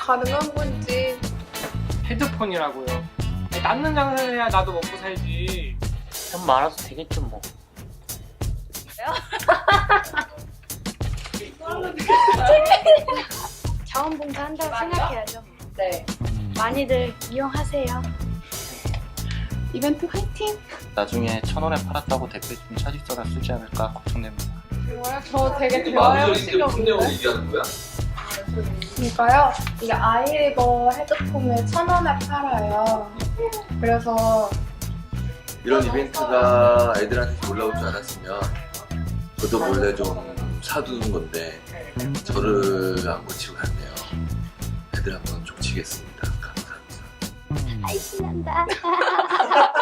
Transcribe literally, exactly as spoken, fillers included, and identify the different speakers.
Speaker 1: 가능한 건지.
Speaker 2: 헤드폰이라고요. 낫는 장사를 해야 나도 먹고 살지.
Speaker 3: 돈 많아도 되겠죠 뭐.
Speaker 4: 자원봉사 한다고 생각해야죠.
Speaker 1: 네.
Speaker 4: 많이들 이용하세요.
Speaker 1: 이벤트 화이팅!
Speaker 5: 나중에 천 원에 팔았다고 댓글 좀 차직서가 쓰지 않을까 걱정됩니다.
Speaker 1: 뭐야? 저 되게
Speaker 6: 이게
Speaker 1: 대화해보고
Speaker 6: 마무리인데 무슨 내용을
Speaker 1: 싶었는데.
Speaker 6: 얘기하는 거야?
Speaker 1: 그러니까요. 이게 아이리버 헤드폰을 천 원에 팔아요. 그래서
Speaker 6: 이런 이벤트가 애들한테 올라올 줄 알았으면 저도 몰래 좀 사두는 건데 저를 안 고치고 갔네요. 애들 한번 족치겠습니다. 감사합니다.
Speaker 4: 아이 신난다.